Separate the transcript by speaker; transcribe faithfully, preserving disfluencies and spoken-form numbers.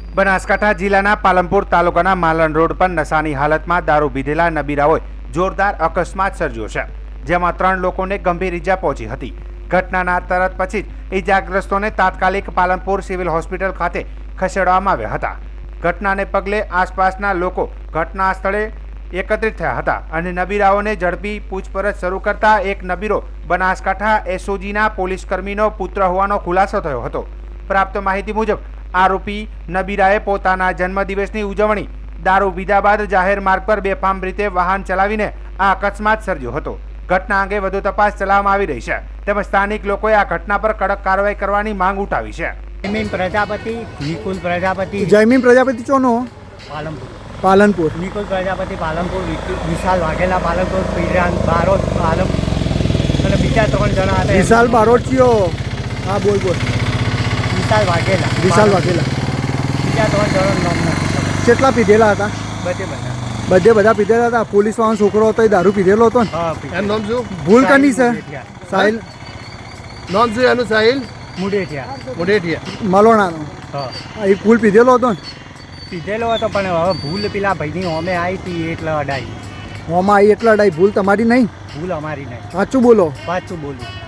Speaker 1: બનાસકાંઠા જિલ્લાના પાલનપુર તાલુકાના માલણ રોડ પર નશાની હાલતમાં દારૂ પીધેલા નબીરાઓએ જોરદાર અકસ્માત સર્જ્યો છે, જેમાં ત્રણ લોકોને ગંભીર ઈજા પહોંચી હતી। ઘટનાના તરત પછી જ ઈજાગ્રસ્તોને તાત્કાલિક પાલનપુર સિવિલ હોસ્પિટલ ખાતે ખસેડવામાં આવ્યા હતા। ઘટનાને પગલે આસપાસના લોકો ઘટના સ્થળે એકત્રિત થયા હતા અને નબીરાઓને ઝડપી પૂછપરછ શરૂ કરતા એક નબીરો બનાસકાંઠા એસઓજીના પોલીસ કર્મીનો પુત્ર હોવાનો ખુલાસો થયો હતો। પ્રાપ્ત માહિતી મુજબ આરોપી નબીરાએ પોતાના જન્મદિવસની ઉજવણી દારૂ પીધા બાદ જાહેર માર્ગ પર બેફામ રીતે વાહન ચલાવીને આ અકસ્માત સર્જ્યો હતો। ઘટના અંગે વધુ તપાસ ચલાવવામાં આવી રહી છે, તેમજ સ્થાનિક લોકોએ આ ઘટના પર કડક કાર્યવાહી કરવાની માંગ ઉઠાવી છે।
Speaker 2: જયમીન પ્રજાપતિ નિકુલ પ્રજાપતિ
Speaker 3: જયમીન પ્રજાપતિ ચોનો
Speaker 2: પાલનપુર
Speaker 3: પાલનપુર
Speaker 2: નિકુલ પ્રજાપતિ પાલનપુર વિશાલ વાઘેલા પાલનપુર પીરાન બારોટ પાલનપુર અને બીજા ત્રણ જણા હતા।
Speaker 3: વિશાલ બારોટિયો હા બોલ બોલ
Speaker 2: વિશાલ વાઘેલા
Speaker 3: વિશાલ વાઘેલા
Speaker 2: બીજા ત્રણ જણા નામના
Speaker 3: કેટલા પીધેલા હતા?
Speaker 2: બધે બધા
Speaker 3: બધે બધા પીધેલા હતા। પોલીસ વાળો છોકરો હતો એ દારૂ પીધેલો હતો ને?
Speaker 2: હા
Speaker 4: એનું નામ શું?
Speaker 3: ભૂલ કરની છે? સાહિલ
Speaker 4: નામ શું એનું? સાહિલ
Speaker 2: મુડેઠિયા
Speaker 4: મુડેઠિયા
Speaker 3: મલોણાનો।
Speaker 2: હા
Speaker 3: એ ભૂલ પીધેલો હતો ને?
Speaker 2: પીધેલો હતો પણ હવે ભૂલ પેલા ભાઈની હોમે આવી હતી એટલે અડાઈ।
Speaker 3: હોમાં આવી એટલે અડાઈ? ભૂલ તમારી નહીં?
Speaker 2: ભૂલ અમારી નહીં,
Speaker 3: સાચું બોલો।
Speaker 2: પાછું બોલું।